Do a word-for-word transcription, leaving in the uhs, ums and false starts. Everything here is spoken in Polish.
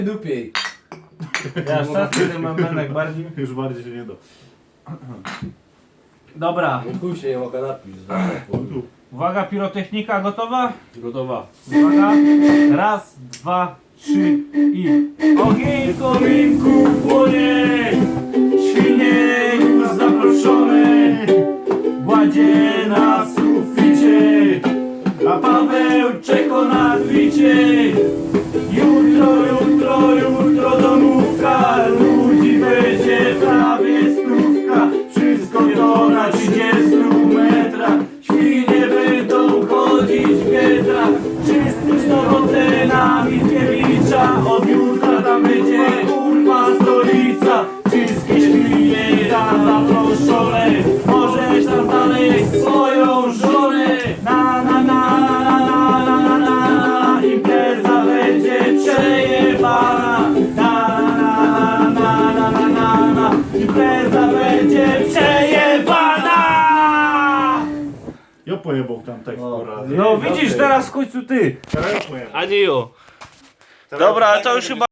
Dupiej. Ja szczęście ten bębenek bardziej. Już bardziej się nie da. Dobra, No chuj się nie mogę napić. uwaga, pirotechnika gotowa? Gotowa. Uwaga, raz, dwa, trzy i... Ogień w kominku płonie, świnie już zaproszone, gładzie na suficie, a Paweł czeka na dwicie. Jutro, jutro, jutro domówka, ludzi będzie prawie stówka, wszystko to na trzydziestu metrach, świnie będą chodzić w pietrach, wszyscy z sobotę na Mickiewicza, od jutra tam będzie kurwa stolica, wszystkie świnie tam zaproszone, możesz tam dalej swoją żonę, na na na na na na na na, impreza będzie przejebana, na na na na na na na, impreza będzie przejebana! Ja pojebał tam tekst O, po raz. No widzisz, teraz w końcu ty, Teraz ja pojebał. a nie jo. Teraz Dobra, ja ale to już pojebał. chyba